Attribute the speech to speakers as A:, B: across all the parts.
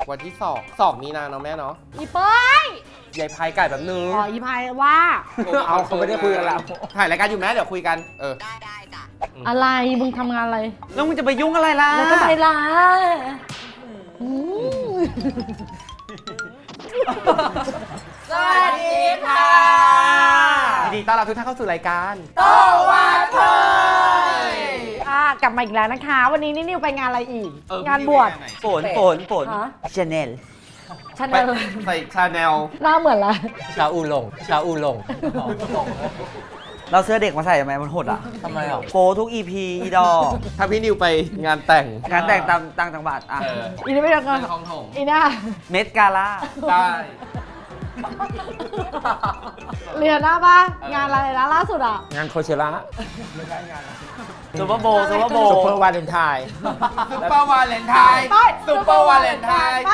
A: วันที่2 มีนาเนาะแม่เนาะ
B: อีเป้ย
A: ยายพายไก่แบบนึง
B: อ๋ออีพายว่า
A: เอาเขาไม่ได้คุยกันแล้วถ่ายรายการอยู่แม่เดี๋ยวคุยกัน
C: ได้จ้ะ
B: อะไรมึงทำงานอะไร
D: แล้วมึงจะไปยุ่งอะไรล่ะ
B: แล้วก็ไปล่ะอืม
C: สวัสดีค่ะ
A: ยินดีต้อนรับทุกท่านเข้าสู่รายการ
C: โตวาเธอก
B: ลับมาอีกแล้วนะคะ วันนี้นิวไปงานอะไรอีก งานบวช
D: ฝน
B: ฮะ
D: ชาแนล
B: ฉัน
A: ไป
B: เลย
A: ใส่ชาแนล
B: หน้าเหมือนละ
A: ชาอูหลง
D: เราเสื้อเด็กมาใส่ทำไมมันหดอ่ะ
A: ทำไมอ่ะ
D: โปทุก EP อีดอ
A: ถ้าพี่นิวไปงานแต่ง
D: งานแต่งตามต่างจังหวัดอ่ะ
B: อีนี่ไม่ได้งาน
A: ในคลองถม
B: อีน่า
D: เม็ดกาล่า
A: ได้
B: เรียนหน้าปะงานอะไรนะล่าสุดอ่ะ
A: งานโคเชล่า
D: ซูเปอร์โบว์ซูเปอร์โบ
A: ซุป
D: ว์
A: เปอร์วาเลนไทน์ซุปเปอร์วาเลนไทน์
B: ไป
A: ซุปเปอร์วาเลนไทน์
B: ไป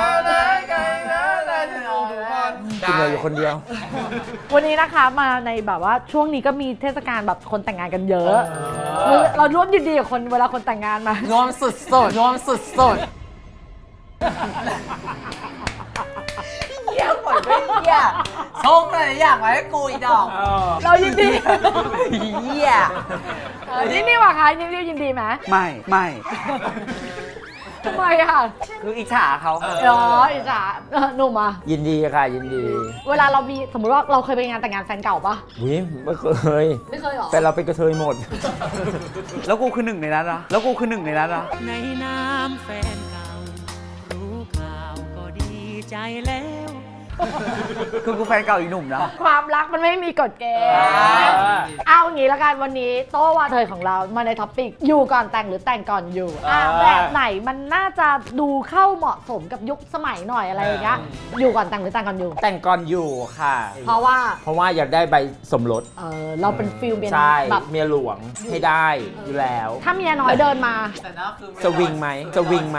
A: กินเลยอยู่คนเดียว
B: วันนี้นะคะมาในแบบว่าช่วงนี้ก็มีเทศกาลแบบคนแต่งงานกันเยอะเราร่วมยินดีกับคนเวลาคนแต่งงานมา
C: รวมสุดๆรวมสุดๆเยี่ยมหมดไม่เยี่ยชงอะไรอย่างไว้ให้กูอีดอก
B: เรายินดี
C: เยี่ย
B: นี่นี่ว่ะคะนี่ยินดีไหม
D: ไม่
B: ทำไมอ่ะ
D: คืออิจฉาเขา
B: อิจฉาหนุ่มอ่ะ
A: ยินดีค่ะยินดี
B: เวลาเรามีสมมติว่าเราเคยไปงานแต่งงานแฟนเก่าปะ
A: วิไม่เคย
B: ไม่เคยหรอ
A: แต่เราเป็นกระเทยหมด
D: แล้วกูคือหนึ่งในนั้นนะแล้วกูคือหนึ่งในนั้นนะ
E: ในน้ำแฟนเก่า รู้ข่าวก็ดีใจแล้ว
D: คือกูแฟนเก่าอีกหนุ่มนะ
B: ความรักมันไม่มีกฎเกณฑ์เอาอย่างนี้ละกันวันนี้โต้วาเธอของเรามาในท็อปปิกอยู่ก่อนแต่งหรือแต่งก่อนอยู่แบบไหนมันน่าจะดูเข้าเหมาะสมกับยุคสมัยหน่อยอะไรอย่างเงี้ยอยู่ก่อนแต่งหรือแต่งก่อนอยู่
A: แต่งก่อนอยู่ค่ะ
B: เพราะว่า
A: เพราะว่าอยากได้ใบสมรส
B: เราเป็นฟิลเป็น
A: ใช่
B: แบบ
A: เมียหลวงให้ได้อยู่แล้ว
B: ถ้าเมียน้อยเดินมา
A: สวิงไหมสวิงไหม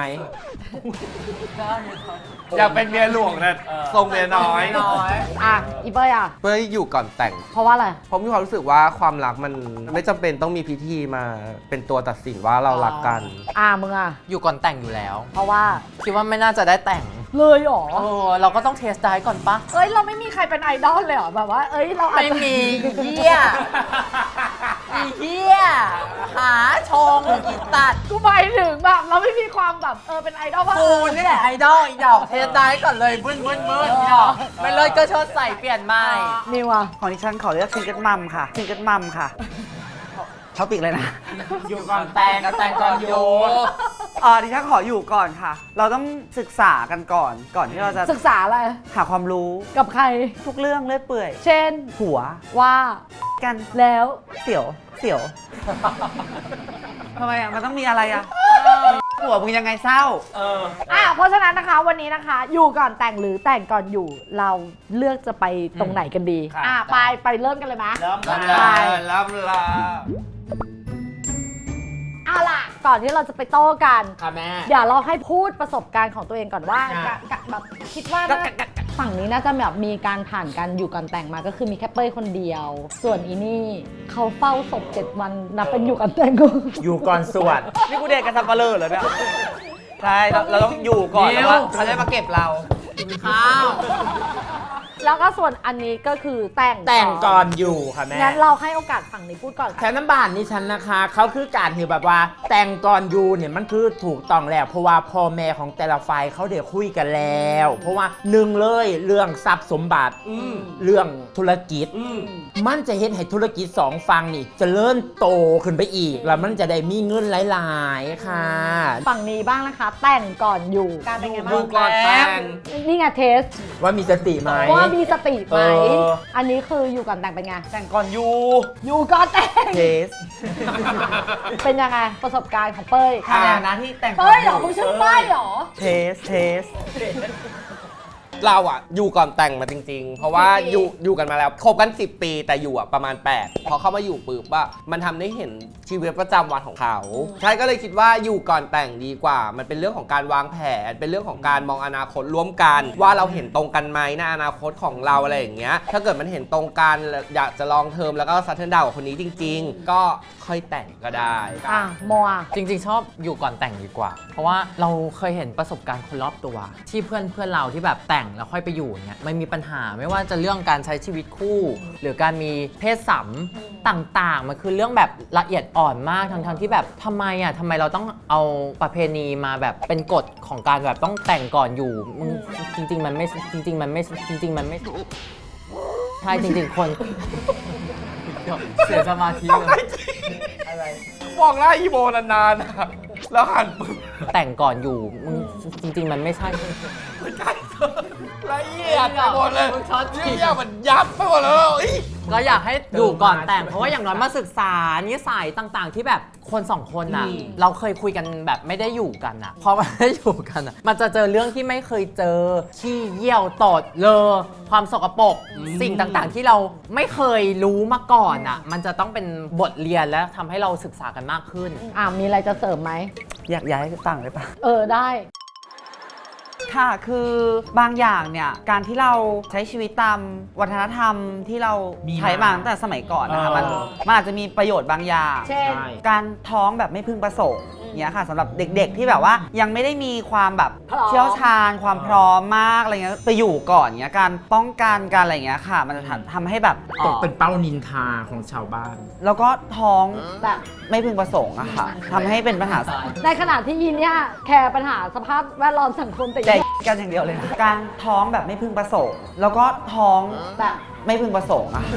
A: อยากเป็นเมียหลวงนะทรงเมียน้อย
B: อ่ะอีเป้ยอ่ะ
A: เพื่ออยู่ก่อนแต่ง
B: เพราะว่าอะไร
A: เพราะมีความรู้สึกว่าความรักมันไม่จำเป็นต้องมีพิธีมาเป็นตัวตัดสินว่าเรารักกัน
B: มึงอ่ะ
C: อยู่ก่อนแต่งอยู่แล้ว
B: เพราะว่า
C: คิดว่าไม่น่าจะได้แต่ง
B: เลยเหรอ
C: เราก็ต้องเทสได้ก่อนปะ
B: เราไม่มีใครเป็นไอดอลเลยเหรอแบบว่าเราอาจ
C: ไม่
B: จะ
C: มีเหี้ยอีเหี้ยหาชงอีตัด
B: กูหมายถึงแบบเราไม่มีความแบบเป็นไอดอลว่า
C: กูนี่แหละไอดอลอีดอกเทสได้ก่อนเลยบึ้นอีดอกไม่เลยก็เชิดใส่เปลี่ยนใหม่
B: นิวอ่ะ
D: ของดิฉันขอเลือกซิงเกิลมัมค่ะซิงเกิลมัมค่ะท็อปิกเลยนะ
C: อยู่ก่อนแต่งกับแต่งก่อนอยู่
D: ดิฉันขออยู่ก่อนค่ะ เราต้องศึกษากันก่อนที่เราจะ
B: ศึกษาอะไร
D: หาความรู้
B: กับใคร
D: ทุกเรื่องเรื่อยเปื่อย
B: เช่น
D: หัว
B: ว่า
D: กัน
B: แล้ว
D: เสียวทำไมอ่ะมันต้องมีอะไรอ่ะหัวมึงยังไงเศร้า
B: เพราะฉะนั้นนะคะวันนี้นะคะ อยู่ก่อนแต่งหรือแต่งก่อนอยู่ เราเลือกจะไปตรงไหนกันดี ไปเริ่มกันเลยไหม
A: รับลา
B: เอาล่ะก่อนที่เราจะไปโต้กัน
A: ค่ะแม่
B: เดี๋ยวเราให้พูดประสบการณ์ของตัวเองก่อนว่าแบบคิดว่าฝั่งนี้น่าจะแบบมีการผ่านการอยู่ก่อนแต่งมาก็คือมีแค่เป้ยคนเดียว ส่วนอีนี่เขาเฝ้าศพ7 วันนับเป็นอยู่ก่อนแต่งกู
A: อยู่ก่อนสวด
D: นี่กูเด็กกันสับปะเลอเหรอเนี่ยใช่เราต้องอยู่ก่อนแล้วว่าเขาจะมาเก็บเรา
C: ข้าว
B: แล้วก็ส่วนอันนี้ก็คือแต่ง
A: ก่อนอยู่ค่ะแม่
B: งั้นเราให้โอกาสฝั่งนี้พูดก่อน
F: แถวน้ำบานนี่ฉันนะคะเขาคือการที่แบบว่าแต่งก่อนอยู่เนี่ยมันคือถูกต้องแล้วเพราะว่าพ่อแม่ของแต่ละฝ่ายเขาเดี๋ยวคุยกันแล้ว เพราะว่าหนึ่งเลยเรื่องทรัพย์สมบัติเรื่องธุรกิจมันจะเห็นให้ธุรกิจ2 ฝั่งนี่เจะเริ่มโตขึ้นไปอีกแล้วมันจะได้มีเงินหลายๆค่ะ
B: ฝั่งนี้บ้างนะคะ แต่งก่อนอยู่การเป็นไงบ้าง
A: อยู่ก่อนแต่ง
B: นี่ไงเทส
F: ว่ามีสติไหม
B: ว่ามีสติไหม
F: เออ
B: อันนี้คืออยู่ก่อนแต่งเป็นไง
D: แต่งก่อนอยู่
B: อยู่ก่อนแต่ง
D: เทส
B: เป็นยังไงประสบการณ์ของเป้ย
D: ในฐานะที่แต่งก่อน
B: เป้ยเหรอคุณชื่อเป้ยเหรอ
D: เทส
A: เราอ่ะอยู่ก่อนแต่งมาจริงๆ เพราะว่าอยู่กันมาแล้วคบกัน10 ปีแต่อยู่อ่ะประมาณ8พอเข้ามาอยู่ปุ๊บว่ามันทำให้เห็นชีวิตประจำวันของเขาใช่ก็เลยคิดว่าอยู่ก่อนแต่งดีกว่า มันเป็นเรื่องของการวางแผนเป็นเรื่องของการมองอนาคตร่วมกันว่าเราเห็นตรงกันไหมในอนาคตของเราอะไรอย่างเงี้ยถ้าเกิดมันเห็นตรงกันอยากจะลองเทอมแล้วก็ซัทเทิลดาวกับคนนี้จริง ๆ ก็ค่อยแต่งก็ได้
B: อ่ะโมอ่ะ
C: จริงๆ ชอบอยู่ก่อนแต่งดีกว่า เพราะว่าเราเคยเห็นประสบการณ์คนรอบตัว ที่เพื่อนเราที่แบบแต่งแล้วค่อยไปอยู่เนี่ยไม่มีปัญหาไม่ว่าจะเรื่องการใช้ชีวิตคู่ หรือการมีเพศสัมต่างๆ มันคือเรื่องแบบละเอียดอ่อนมากทั้งที่แบบทำไมเราต้องเอาประเพณีมาแบบเป็นกฎของการแบบต้องแต่งก่อนอยู่มึงจริงๆมันไม่ใช่จริงๆใช่จริงๆคนเสียสมาธิเลย
A: มองหน้าอีโบนานๆนะแล้วหันปึ๊บ
C: แต่งก่อนอยู่มึงจริงๆมันไม่ใช่
A: ละเอียดไปหมดเลยเรื่องมันยับไปหมดเลย
C: ก็อยากให้อยู่ก่อนแต่งเพราะว่าอย่างน้อยมาศึกษานิสัยต่างๆ ที่แบบคนสองคนน่ะเราเคยคุยกันแบบไม่ได้อยู่กันอ่ะพอไม่ได้อยู่กันอ่ะมันจะเจอเรื่องที่ไม่เคยเจอขี้เยี่ยวตดเลอความสกปรกสิ่งต่างๆ ที่เราไม่เคยรู้มาก่อนอ่ะมันจะต้องเป็นบทเรียนและทำให้เราศึกษากันมากขึ้น
B: มีอะไรจะเสริมไหม
D: อยากย้ายต่างเลยปะ
B: ได้
D: ค่ะคือบางอย่างเนี่ยการที่เราใช้ชีวิตตามวัฒนธรรมที่เราใช้มาตั้งแต่สมัยก่อนนะคะมันอาจจะมีประโยชน์บางอย่าง
B: เช่น
D: การท้องแบบไม่พึงประสงค์เนี่ยค่ะสำหรับเด็กๆที่แบบว่ายังไม่ได้มีความแบบ
B: พร้อม
D: เชี่ยวชาญความพร้อมมากอะไรเงี้ยไปอยู่ก่อนเงี้ยการป้องกันการอะไรเงี้ยค่ะ มันจะทำให้แบบ
F: ตกเป็นเป้านินทาของชาวบ้าน
D: แล้วก็ท้อง
B: แบบ
D: ไม่พึงประสงค์อะค่ะทำให้เป็นปัญหา
B: ในขณะที่ยีนเนี่ยแคร์ปัญหาสภาพแวดล้อมสังคมแต่
D: ใจ
B: ยีน
D: กันอย่างเดียวเลยนะการท้องแบบไม่พึงประสงค์ แล้วก็ท้อง
B: แบบ
D: ไม่พึงประสงค์อะ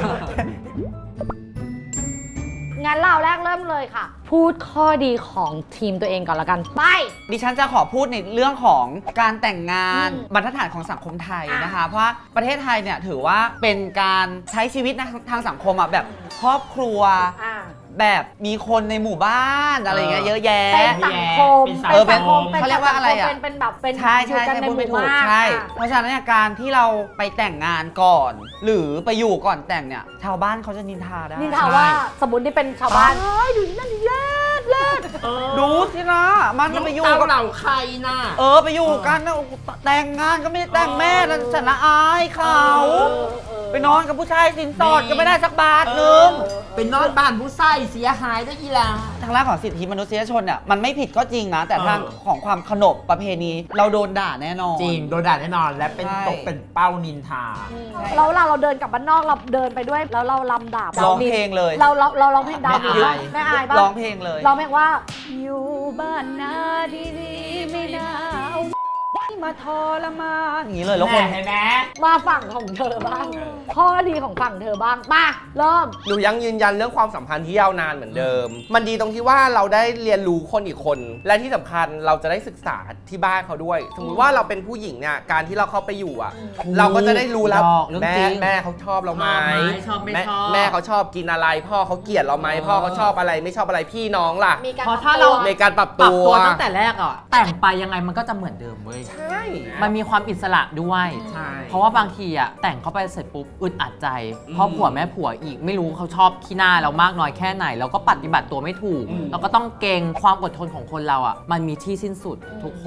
B: งั้นเราแรกเริ่มเลยค่ะ พูดข้อดีของทีมตัวเองก่อนละกัน ไป
D: ดิฉันจะขอพูดในเรื่องของการแต่งงานบรรทัดฐานของสังคมไทยนะคะ เพราะว่าประเทศไทยเนี่ยถือว่าเป็นการใช้ชีวิตทางสังคมอะแบบครอบครัว แบบมีคนในหมู่บ้านอะไรเงี้ยเยอะแยะ
B: เป็นสังคม
F: เป็นสังคม
D: เขาเรียกว่าอะไรอะ
B: เป็นแบบเป็น
D: ใช่
B: อยู่กันใน
D: พูด
B: ห
D: ไม่
B: มู่
D: ถูก
B: บ้าน
D: ใช่ เพราะฉะนั้นเนี่ยการที่เราไปแต่งงานก่อน หรือไปอยู่ก่อนแต่งเนี่ยชาวบ้านเขาจะนินทาได้
B: นี่ถามว่าสมมติที่เป็นชาวบ้านดูนั่นเลิศเลิศ
D: ดูสินะมันจะไปอยู่
F: เต้า
D: กับ
F: เหล่าใครน่ะ
D: ไปอยู่กันนะแต่งงานก็ไม่ได้แต่งแม่แล้วฉันละอายเขาไปนอนกับผู้ชายสินสอดก็ไม่ได้สักบาทนึง
F: เป็นนอนบ้านผู้ใส่เสียหายได้ยีหลา
D: ทางด้านของสิทธิมนุษยชนเนี่ยมันไม่ผิดก็จริงนะ แต่ทางของความขนบประเพณีเราโดนด่าแน่นอน
F: จริงโดนด่าแน่นอนและเป็น
D: ใช่
F: ตกเป็นเป้านินทา
B: แล้วเราเดินกลับบ้านนอกเราเดินไปด้วยแล้วเราลำดาบ
D: ร้องเพลงเลย
B: เราร้องเพลงดาวดิน
F: ไม่อาย
B: ไม่อายป่ะ
D: ร้องเพลงเลย
B: ร้องเพลงว่า อยู่บ้านนาดีๆไม่น่าเอามาทรมาน
D: อย่างนี้เลยแล้วคน
F: เห็นไหม
B: มาฝั่งของเธอบ้าง ข้อดีของฝั่งเธอบ้างมาเริ่ม
A: หนูยังยืนยันเรื่องความสัมพันธ์ที่ยาวนานเหมือนเดิม มันดีตรงที่ว่าเราได้เรียนรู้คนอีกคน และที่สำคัญเราจะได้ศึกษาที่บ้านเขาด้วย สมมติว่าเราเป็นผู้หญิงเนี่ยการที่เราเข้าไปอยู่อ่ะ เราก็จะได้รู้แล้ว
C: เรื่อง
A: แม่
C: จริง
A: แม่เขาชอบเราไหม
C: ชอบไม่ชอบ
A: แม่เขาชอบกินอะไร พ่อเขาเกลียดเราไหมพ่อเขาชอบอะไรไม่ชอบอะไรพี่น้องล่ะ
B: มีการ
C: เพราะถ้าเรา
A: ในการปรับ
C: ปรับ
A: ตัว
C: ตัวตั้งแต่แรกอ่ะแต่งไปยังไงมันก็จะเหมือนเดิมเว้ย
A: ใช่
C: มันมีความอิสระด้วย
F: ใช่
C: เพราะว่าบางทีอ่ะแต่งเข้าไปเสร็จปุ๊บอึดอัดใจเพราะผัวแม่ผัวอีกไม่รู้เขาชอบขี้หน้าเรามากน้อยแค่ไหนเราก็ปฏิบัติตัวไม่ถูก เราก็ต้องเกรงความอดทนของคนเราอ่ะมันมีที่สิ้นสุดทุกคน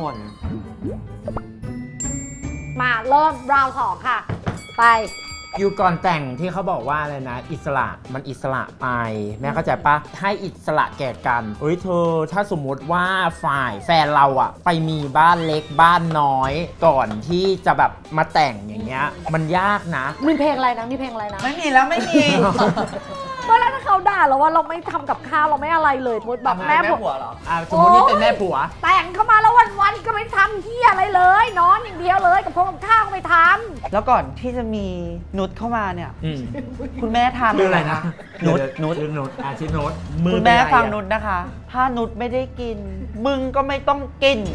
B: มาเริ่มราวสองค่ะ ไป
F: อยู่ก่อนแต่งที่เขาบอกว่าอะไรนะ อิสระมันอิสระไปแม่เข้าใจปะให้อิสระแก่กันเฮ้ยเธอถ้าสมมติว่าฝ่ายแฟนเราอะไปมีบ้านเล็กบ้านน้อยก่อนที่จะแบบมาแต่งอย่างเงี้ยมันยากนะ
B: มีเพลงอะไรนะมีเพลงอะไรนะ
D: ไม่มีแล้วไม่มี
B: เมื่อไรถ้าเขาด่าเราว่าเราไม่ทำกับข้าวเราไม่อะไรเลยมดแบบแม่ผม
D: ผัวเหรอ
F: สมมตินี่เป็นแม่ผัว
B: แต่งเข้ามาแล้ววันๆก็ไม่ทำเที่ยอะไรเลย นอนอย่างเดียวเลยกับพวกกับข้าวก็ไม่ท
D: แล้วก่อนที่จะมีนุชเข้ามาเนี่ย
F: อืม
D: คุณแม่ทาน
F: ชื่ออะไรนะ
D: นุช
F: นุชนุชชื่อนุช
D: คุณแม่
F: เป็นไรอะ
D: ฟังนุชนะคะ ถ้านุชไม่ได้กิน มึงก็ไม่ต้องกิน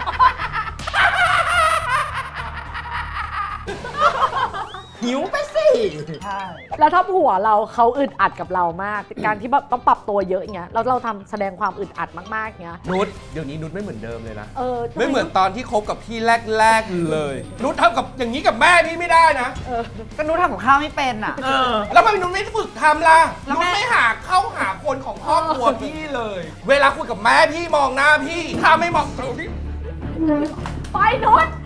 F: หิวไปสิ
B: แล้วถ้าผัวเราเขาอึดอัดกับเรามาก การที่แบบต้องปรับตัวเยอะอย่างเงี้ยแล้วเราทำแสดงความอึดอัดมากๆอย่างเงี้ย
A: นุชเดี๋ยวนี้นุชไม่เหมือนเดิมเลยนะ
B: ไม่
A: ไม่เหมือนตอนที่คบกับพี่แรกๆเลย นุชทำกับอย่างนี้กับแม่พี่ไม่ได้นะ
D: ก็นุ้ทำกับข้าวไม่เป็นอ่ะ
A: แล้วทำไมนุชไม่ฝึกทำล่ะ
D: แล้ว
A: นุช
D: แม่
A: ไม่เข้าหาคนของครอบครัวพี่เลย เวลาคุยกับแม่พี่มองหน้าพี่ถ้าไม่มองตรงนี้
B: ไปนุช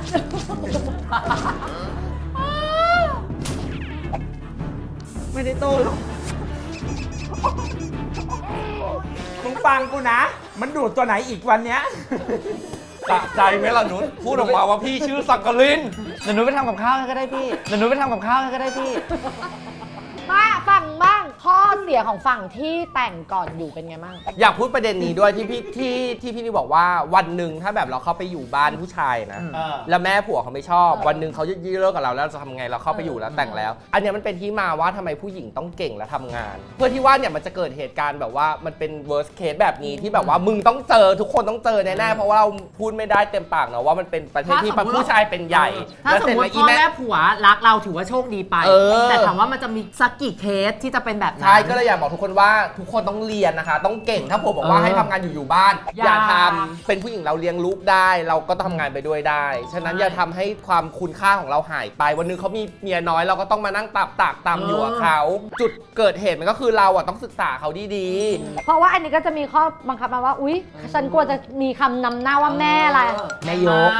D: ไม่ได้โตหรอก
F: มึงฟังกูนะ มันดูดตัวไหนอีกวันเนี้ย
A: สะใจไหมล่ะนุชพูดออกมาว่าพี่ชื่อสักกลิน
D: เดี๋ยวนุ้ไปทำกับข้าวให้ก็ได้พี่เดี๋ยวนุ้ไปทำกับข้าวให้ก็ได้พี่
B: มาฝั่งบ้างข้อเสียของฝั่งที่แต่งก่อนอยู่เป็นไงบ้าง
A: อยากพูดประเด็นนี้ด้วยที่พี่นี่บอกว่าวันหนึ่งถ้าแบบเราเข้าไปอยู่บ้านผู้ชายนะ แล้วแม่ผัวเขาไม่ชอบ วันหนึ่งเขาจะเลิกกับเราแล้วเราจะทำไงเราเข้าไปอยู่แล้วแต่งแล้ว อันเนี้ยมันเป็นที่มาว่าทำไมผู้หญิงต้องเก่งและทำงาน เพื่อที่ว่าเนี่ยมันจะเกิดเหตุการณ์แบบว่ามันเป็น worst case แบบนี้ที่แบบว่ามึงต้องเจอทุกคนต้องเจอแน่ๆเพราะว่าเราพูดไม่ได้เต็มปากเนาะว่ามันเป็นประเทศที่ผู้ชายเป็นใหญ่
C: ถ้าสมมติพ่อแม่ผัวรักเราถือว่าโชคดีไป แต่ถามว่ามันจะมีสักกี่เคสที่จะเป็นแบบนั้น
A: ใช่ก็เลยอยากบอกทุกคนว่าทุกคนต้องเรียนนะคะ ต้องเก่งถ้าผมบอกว่าให้ทำงานอยู่บ้าน อย่าทำเป็นผู้หญิงเราเลี้ยงลูกได้ เราก็ทำงานไปด้วยได้ ฉะนั้นอย่าทำให้ความคุณค่าของเราหายไป วันนึงเขามีเมียน้อยเราก็ต้องมานั่งตากตำอยู่กับเขาจุดเกิดเหตุมันก็คือเราอ่ะต้องศึกษาเขาดี
B: เพราะว่าอันนี้ก็จะมีข้อบังคับมาว่าอุ๊ยฉันกลัวจะมีคำนำหน้าว่าแม่อะไร
C: แม่ยก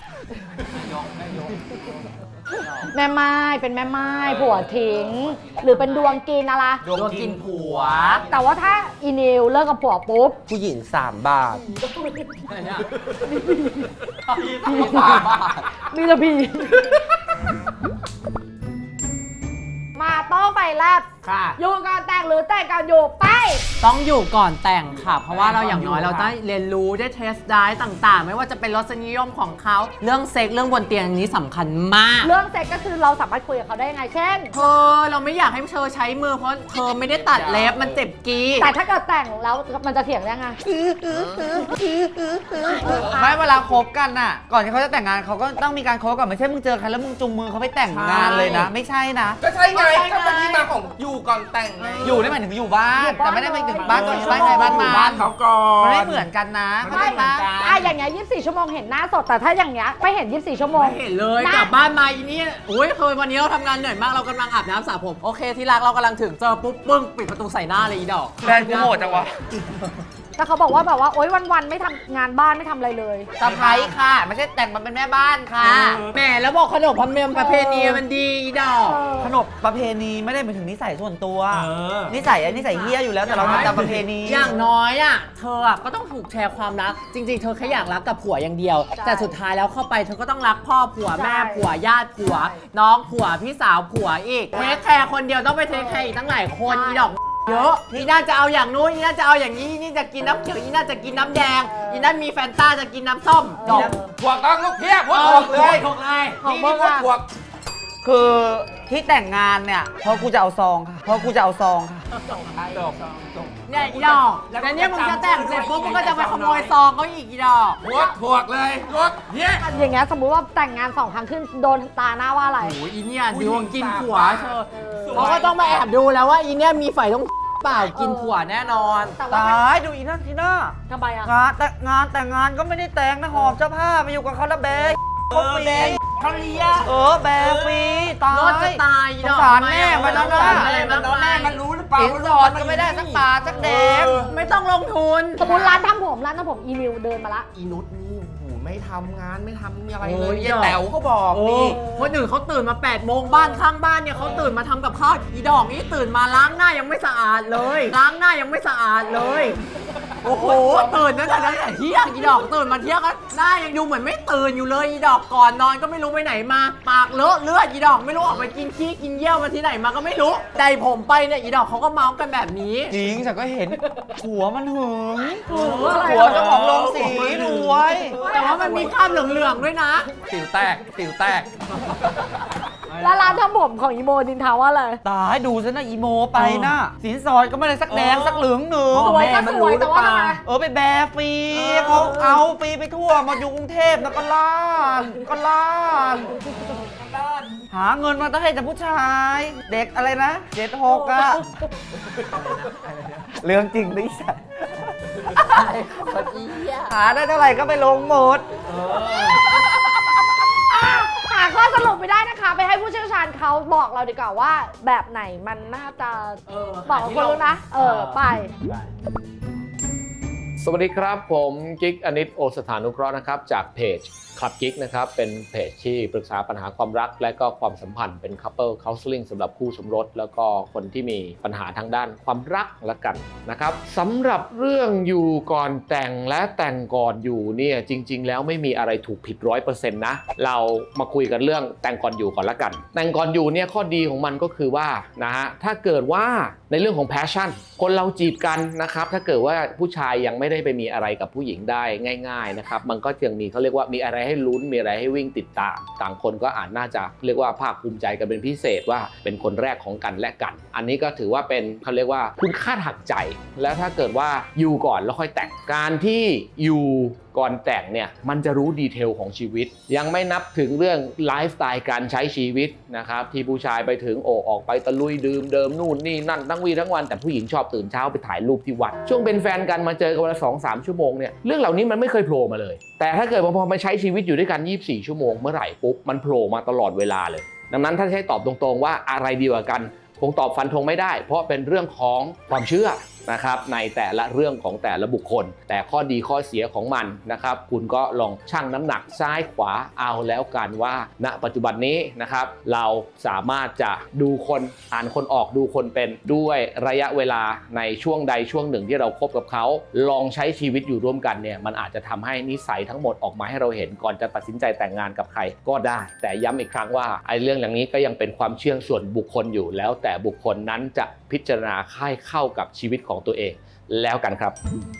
B: แม่ไม้เป็นแม่ไม้ผัวทิ้ง หรือเป็นดวงกินอะไร
A: ๆดวงกินผัว
B: แต่ว่าถ้าอีนิวเลิกกับผัวปุ๊บ
A: ผู้หญิง3 บาท
B: มีระพีมาโต้ไฟแลบ
F: ค่ะ
B: อยู่ก่อนแต่งหรือแต่งก่อนอยู่ไป
C: ต้องอยู่ก่อนแต่งค่ะ เพราะว่าเราอย่างน้อยเราได้เรียนรู้ได้เทสได้ต่างๆ ไม่ว่าจะเป็นรสนิยมของเขาเรื่องเซ็กเรื่องบนเตียงอันนี้สำคัญมาก
B: เรื่องเซ็กก็คือเราสามารถคุยกับเขาได้ไง เช่น
C: เธอเราไม่อยากให้เธอใช้มือเพราะเธอไม่ได้ตัดเล็บมันเจ็บกี
B: แต่ถ้าเกิดแต่งแล้วมันจะเถียงได้ไง
D: ไม่เวลาคบกันน่ะ ก่อนที่เขาจะแต่งงานเขาก็ต้องมีการคบก่อนไม่ใช่มึงเจอใครแล้วมึงจุงมือเขาไปแต่งงานเลยนะ ไม่ใช่นะ
A: ก็ใช่ไงก็เป็นที่มาของอยู่ก่อนแต่งไง
D: อยู่ได้หมายถึงอยู่บ้าน
B: อยู่บ้าน
D: แต่ไม่ได้หมายถึงบ้านก่อนบ้านใครบ้าน
F: อยู่
D: มัน
F: บ้านเขาก่อน
D: มันไม่เหมือนกันนะเข้าใจปะ
B: อย่างเงี้ย24 ชั่วโมงเห็นหน้าสด แต่ถ้าอย่างเงี้ยไม่เห็น 24 ชั่วโมง
C: ไม่เห็นเลย
B: นะ
C: กลับบ้านมาอีนี่โอ้ยเคยวันนี้เราทำงานเหนื่อยมากเรากำลังอาบน้ำสระผมโอเคที่รักเรากำลังถึงเจอปุ๊บปึ้งปิดประตูใส่หน้าเลยอีดอก
D: แฟนกูโหดจังวะ
B: แต่เขาบอกว่าแบบว่าโอ๊ยวันๆไม่ทำงานบ้านไม่ทำอะไรเลย
D: สะพ้ายค่ะ ไม่ใช่แต่งมาเป็นแม่บ้านค่ะ
C: แหมแล้วบอกขนบธรรมเนียมประเพณีมันดีอีดอก
D: ขนบประเพณีไม่ได้หมายถึงนิสัยส่วนตัว
F: เออ
D: นิสัยนิสัยเฮี้ยอยู่แล้วแต่เราทำตามประเพณี
C: อย่างน้อยอ่ะเธออะก็ต้องถูกแชร์ความรัก จริง ๆ เธอแค่อยากรักกับผัวอย่างเดียว
B: ใช่
C: แต่สุดท้ายแล้วเข้าไปเธอก็ต้องรักพ่อผัว
B: ใช่
C: แม่ผัวญาติผัว น้องผัวพี่สาวผัวอีกเทคแคร์คนเดียวต้องไปเทคแคร์อีกตั้งหลายคนอีดอกเยอะอีน่าจะเอาอย่างนู้นอีน่าจะเอาอย่างนี้อีนี่จะกินน้ำเขียวอีน่าจะกินน้ำแดงอีนั่นมีแฟนต้าจะกินน้ำส้มดอก
A: พวกต้องลูกเพี้ยพวกออกเลย
C: ถูกเลย
B: ของ
A: นี่
B: มึ
A: นี่
B: ง
A: พวก
B: อะ
A: พวก
D: คือที่แต่งงานเนี่ยเพราะกูจะเอาซองค่ะเพราะกูจะเอาซองค่ะ
C: เนี่ยอีดอกแล้วเนี่ยมึงจะแต่งเสร็จปุ๊บมึงก็จะไปขโมยซองเขาอีกอีดอก
A: พวกเลยพวกเพี้ย
B: อย่างเงี้ยสมมุติว่าแต่งงาน2 ครั้งขึ้นโดนตาหน้าว่าอะไร
C: โอ้ยอีเนี่ยดวงกินผัวเธอเขาก็ต้องมาแอบดูแล้วว่าอีเนี่ยมีไฟต้องเปล่ากินผัวแน่นอน
B: แต่ว่า
D: ตายดูอีนั่นทีน่า
B: ทำไมอะ
D: แต่งงานก็ไม่ได้แต่งนะหอบเจ้าผ้าไปอยู่กับเขาแล้วแบกเขาฟรี
F: เขาเลี้ยง
D: แบกฟรีตาย
C: รถจะตายอีดอก
D: สงสารแม่มันแล้วนะ
C: อะไรมาก
F: แม่
C: มาย
F: มันรู้หรือเปล่า
D: สินสอดก็ไม่ได้สักบาทสักแดง
C: ไม่ต้องลงทุน
B: สมมติร้านทำผมอีนิวเดินมาละ
A: อีนุชนี่โอ้โหไม่ทำงานไม่ทำอะไร
C: โอ้
A: เลย
C: ย
A: ยายแต๋วเขาบอก
C: โอ้
A: นี่
C: คนอื่นเขาตื่นมา8 โมงบ้านข้างบ้านเนี่ยเขาตื่นมาทำกับข้าวอีดอกนี่ตื่นมาล้างหน้ายังไม่สะอาดเลย ล้างหน้ายังไม่สะอาดเลย โอ้โหตื่นตั้งแต่เที่ยงอีดอกตื่นมาเที่ยงก็หน้ายังดูเหมือนไม่ตื่นอยู่เลยอีดอกก่อนนอนก็ไม่รู้ไปไหนมา ปากเลอะเลือดอีดอกไม่รู้ออกไปกินขี้กินเยี่ยวมาที่ไหนมาก็ไม่รู้ใดผมไปเนี่ยอีดอกเขาก็เมาส์กันแบบนี้
D: จริงฉันก็เห็นหัวมันหึง
B: อะไร
D: หัวเจ้าของโรงสีรวย
C: แต่ว่ามันมีคราบเหลืองๆด้วยนะ
A: สิวแตกสิวแตก
B: แล้วร้านทำผมของอีโมดินทาว่าอะไร
D: ตายดูซะนะอีโมไปนะสินสอดก็ไม่ได้สักแดงสักเหลืองหนึ่ง
B: สวยก็สวยแต่ว่าทำไม
D: ไปแบกฟรีเขาเอาฟรีไปทั่วมาอยู่กรุงเทพนะก็ล้านหาเงินมาต้องให้แต่ผู้ชาย เด็กอะไรนะ76อะเรื่องจริงดิฉันหาได้เท่าไหร่ก็ไปลงหมด
B: หาข้อสรุปไม่ได้นะคะ ไปให้ผู้เชี่ยวชาญเขาบอกเราดีกว่าว่าแบบไหนมันน่าจะบอกกับคนรู้นะ ไป
G: สวัสดีครับ ผมกิ๊กอนิตโอสถานุเคราะห์นะครับจากเพจคลับกิ๊กนะครับเป็นเพจที่ปรึกษาปัญหาความรักและก็ความสัมพันธ์เป็น couple counseling สำหรับคู่สมรสแล้วก็คนที่มีปัญหาทางด้านความรักละกันนะครับสำหรับเรื่องอยู่ก่อนแต่งและแต่งก่อนอยู่เนี่ยจริงๆแล้วไม่มีอะไรถูกผิด 100% นะเรามาคุยกันเรื่องแต่งก่อนอยู่ก่อนละกันแต่งก่อนอยู่เนี่ยข้อดีของมันก็คือว่านะฮะถ้าเกิดว่าในเรื่องของ passion คนเราจีบกันนะครับถ้าเกิดว่าผู้ชายยังไม่ได้ไปมีอะไรกับผู้หญิงได้ง่ายๆนะครับมันก็ยังมีเขาเรียกว่ามีอะไรให้ลุ้นมีอะไรให้วิ่งติดตามต่างคนก็อาจน่าจะเรียกว่าภาคภูมิใจกันเป็นพิเศษว่าเป็นคนแรกของกันและกันอันนี้ก็ถือว่าเป็นเขาเรียกว่าคุณค่าทางใจแล้วถ้าเกิดว่าอยู่ก่อนแล้วค่อยแต่งการที่อยู่ก่อนแต่งเนี่ยมันจะรู้ดีเทลของชีวิตยังไม่นับถึงเรื่องไลฟ์สไตล์การใช้ชีวิตนะครับที่ผู้ชายไปถึงออกไปตะลุยดื่มเดิมนู่นนี่นั่นทั้งวีทั้งวันแต่ผู้หญิงชอบตื่นเช้าไปถ่ายรูปที่วัดช่วงเป็นแฟนกันมาเจอกันวันละ 2-3 ชั่วโมงเนี่ยเรื่องเหล่านี้มันไม่เคยโผล่มาเลยแต่ถ้าเกิดพอมาใช้ชีวิตอยู่ด้วยกัน24 ชั่วโมงเมื่อไหร่ปุ๊บมันโผล่มาตลอดเวลาเลยดังนั้นถ้าให้ตอบตรงๆว่าอะไรดีกว่ากันคงตอบฟันธงไม่ได้เพราะเป็นเรื่องของความเชื่อนะครับในแต่ละเรื่องของแต่ละบุคคลแต่ข้อดีข้อเสียของมันนะครับคุณก็ลองชั่งน้ำหนักซ้ายขวาเอาแล้วกันว่าณปัจจุบันนี้นะครับเราสามารถจะดูคนอ่านคนออกดูคนเป็นด้วยระยะเวลาในช่วงใดช่วงหนึ่งที่เราคบกับเขาลองใช้ชีวิตอยู่ร่วมกันเนี่ยมันอาจจะทำให้นิสัยทั้งหมดออกมาให้เราเห็นก่อนจะตัดสินใจแต่งงานกับใครก็ได้แต่ย้ำอีกครั้งว่าไอ้เรื่องอย่างนี้ก็ยังเป็นความเชื่อส่วนบุคคลอยู่แล้วแต่บุคคลนั้นจะพิจารณาให้เข้ากับชีวิตของตัวเองแล้วกันครับ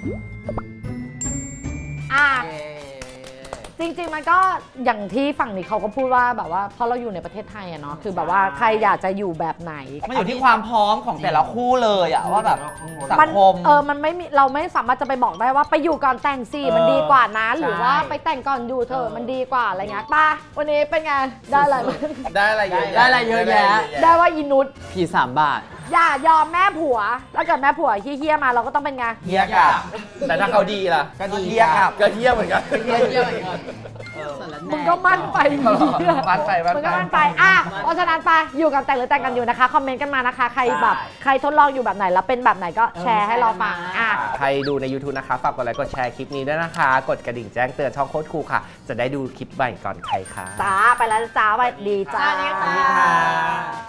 B: จริงๆมันก็อย่างที่ฝั่งนี้เขาก็พูดว่าแบบว่าเพราะเราอยู่ในประเทศไทยอะเนาะคือแบบว่าใครอยากจะอยู่แบบไหน
D: มันอยู่ที่ความพร้อมของแต่ละคู่เลยอะว่าแบบสังคม
B: มันไม่มีเราไม่สามารถจะไปบอกได้ว่าไปอยู่ก่อนแต่งสิมันดีกว่านะหรือว่าไปแต่งก่อนอยู่เธอะมันดีกว่าอะไรเงี้ยป่ะวันนี้เป็นไงได้อะไรบ้าง
A: ได้อะไรเยอะแยะ
C: ได้อะไรเยอะแยะ
B: ได้ว่าอีนุช
C: ผี3 บาท
B: อย่ายอมแม่ผัวถ้าเกิดแม่ผัวเฮี้ยๆมาเราก็ต้องเป็นไง
A: เฮียกับแต่ถ้าเขาดีล่ะ
D: ก็ดีเฮียครับ
A: ก็เฮียเหมือนกัน
B: มึงก็มั่นไป
D: มั่นไป
B: มึงก็มั่นไปเพราะฉะนั้นไปอยู่กันแต่งหรือแต่งกันอยู่นะคะคอมเมนต์กันมานะคะใครแบบใครทดลองอยู่แบบไหนแล้วเป็นแบบไหนก็แชร์ให้เราฟัง
A: ใครดูใน YouTube นะคะฝากกดไลค์กดแชร์คลิปนี้ด้วยนะคะกดกระดิ่งแจ้งเตือนช่องโค้ดครูค่ะจะได้ดูคลิปใหม่ก่อนใครค่ะ
B: จ้าไปแล้วจ้าสวัสดีจ้า
A: สวัสดีค่ะ